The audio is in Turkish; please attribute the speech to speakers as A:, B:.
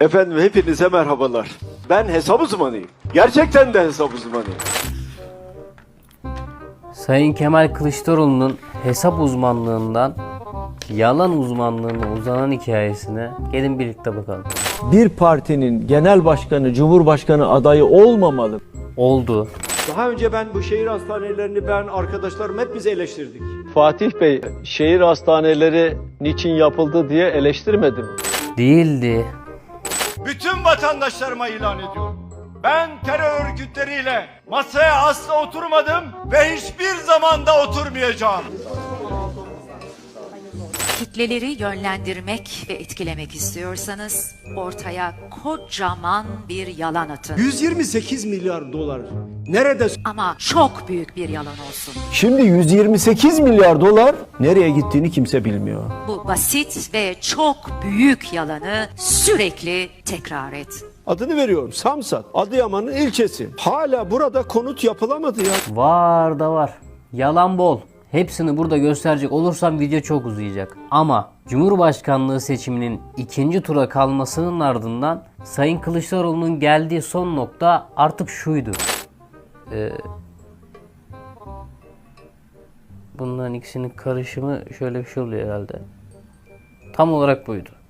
A: Efendim hepinize merhabalar. Ben hesap uzmanıyım. Gerçekten de hesap uzmanıyım.
B: Sayın Kemal Kılıçdaroğlu'nun hesap uzmanlığından yalan uzmanlığına uzanan hikayesine gelin birlikte bakalım.
C: Bir partinin genel başkanı, cumhurbaşkanı adayı olmamalı.
B: Oldu.
A: Daha önce ben bu şehir hastanelerini arkadaşlarım hep biz eleştirdik.
C: Fatih Bey, şehir hastaneleri niçin yapıldı diye eleştirmedi mi?
B: Değildi.
A: Bütün vatandaşlarıma ilan ediyorum. Ben terör örgütleriyle masaya asla oturmadım ve hiçbir zaman da oturmayacağım.
D: Kitleleri yönlendirmek ve etkilemek istiyorsanız ortaya kocaman bir yalan atın.
A: 128 milyar dolar. Nerede?
D: Ama çok büyük bir yalan olsun.
C: Şimdi 128 milyar dolar nereye gittiğini kimse bilmiyor.
D: Bu basit ve çok büyük yalanı sürekli tekrar et.
A: Adını veriyorum. Samsat, Adıyaman'ın ilçesi. Hala burada konut yapılamadı ya.
B: Var da var. Yalan bol. Hepsini burada gösterecek olursam video çok uzayacak. Ama Cumhurbaşkanlığı seçiminin ikinci tura kalmasının ardından Sayın Kılıçdaroğlu'nun geldiği son nokta artık şuydu. Bunların ikisinin karışımı şöyle bir şey oluyor herhalde. Tam olarak buydu.